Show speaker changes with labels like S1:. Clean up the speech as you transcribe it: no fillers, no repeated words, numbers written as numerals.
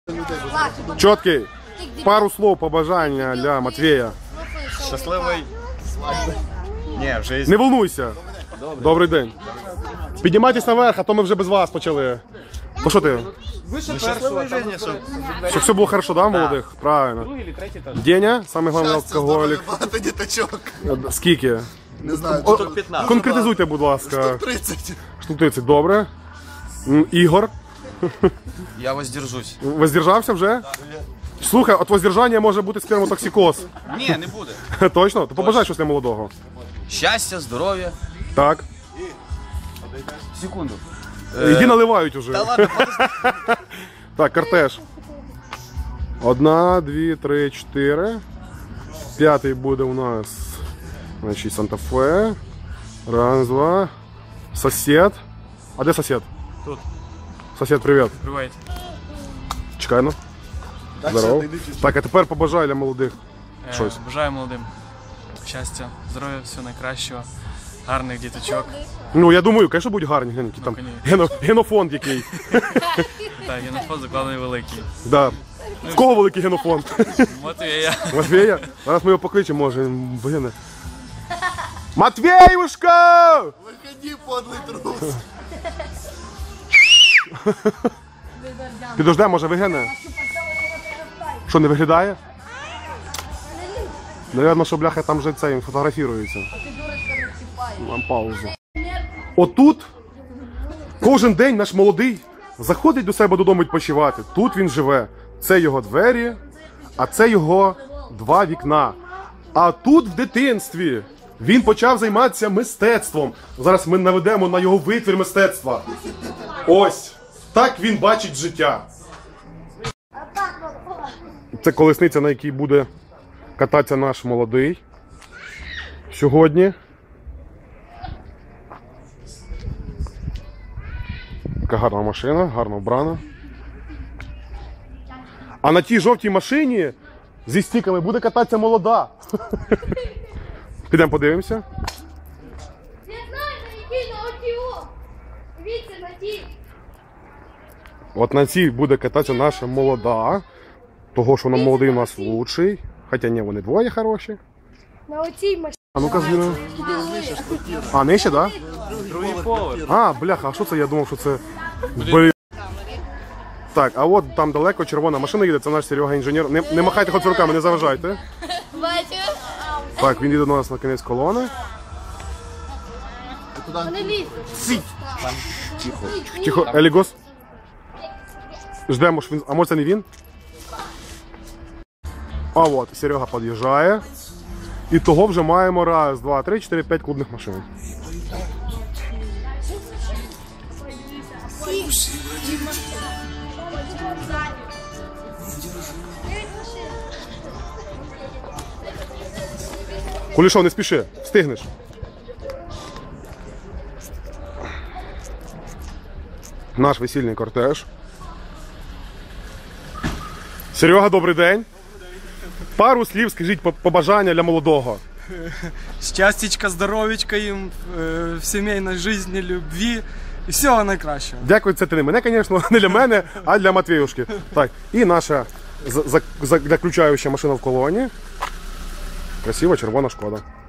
S1: Чіткий. Пару слов побажання для Матвія.
S2: Щасливий свадьби. Ні, в житті.
S1: Не волнуйся. Добрий день. Піднімайтесь наверх, а то ми вже без вас почали. Ну що ти?
S2: Щасливий життя,
S1: Щоб все було хорошо, да, молодих? Правильно. Деня, самий головний алкоголік.
S3: Багато діточок.
S1: Скільки?
S3: Не знаю,
S2: Штук 15.
S1: Конкретизуйте, будь ласка.
S3: 30.
S1: Штук 30, добре. Ігор,
S2: Я воздержусь.
S1: воздержався вже? Слухай, от воздержання може бути спермотоксикоз.
S2: Ні, не буде.
S1: Точно? То побажай щось для молодого.
S2: Щастя, здоров'я.
S1: Так.
S2: Секунду.
S1: Іди наливають уже.
S2: Та ладно,
S1: Так, кортеж. 1, 2, 3, 4. П'ятий буде у нас, значить, Санта-Фе. Раз, два. Сосед. А де сосед?
S4: Тут.
S1: Сосед, привіт.
S4: Привет.
S1: Чекай, ну. Здорово. Так, а тепер побажай для молодих щось.
S4: Бажаю молодим щастя, здоров'я, всього найкращого, гарних діточок.
S1: Ну, я думаю, звісно, будуть гарні. Глянь, які там генофонд який.
S4: Так, генофонд закладений великий.
S1: Да. В кого великий генофонд?
S4: Матвія.
S1: Матвія? Зараз ми його покличемо, може. Блін. Матвіюшка!
S3: Виходи, подлий трус.
S1: Підожде, може вигине? Що, не виглядає? Навірно, що бляха там вже це фотографірується. Нам паузу. Отут кожен день наш молодий заходить до себе додому відпочивати. Тут він живе. Це його двері, а це його 2 вікна. А тут в дитинстві він почав займатися мистецтвом. Зараз ми наведемо на його витвір мистецтва. Ось. Так він бачить життя. Це колесниця, на якій буде кататися наш молодий сьогодні. Така гарна машина, гарно вбрана. А на тій жовтій машині зі стіками буде кататися молода. Підемо подивимося.
S5: Не знаю, на якій, на оті. Дивіться, на тій.
S1: От на цій буде кататися наша молода. Того, що вона молодий у нас лучший. Хоча ні, вони двоє хороші.
S5: На оцій машині.
S1: А ну-ка, Зіна. А, нижче, так?
S4: Другий поверх.
S1: А, бляха, а що це? Я думав, що це... Блін. Так, а от там далеко червона машина їде, це наш Серега інженер. Не махайте хоч руками, не заважайте.
S5: Бачу.
S1: Так, він їде до нас на кінець колони.
S5: Вони лізуть.
S1: Тихо, Елігос. Ждемо, що він... А може це не він? А от, Серега під'їжджає. І того вже маємо 1, 2, 3, 4, 5 клубних машин. Кулішов, не спіши, встигнеш. Наш весільний кортеж. Серега, добрий день. Пару слів скажіть побажання для молодого.
S6: Щастячка, здоров'ячка їм в сімейній житті, любві і всього найкращого.
S1: Дякую, це ти не мене, звісно, не для мене, а для Матвіюшки. Так, і наша заключаюча машина в колоні. Красива червона Шкода.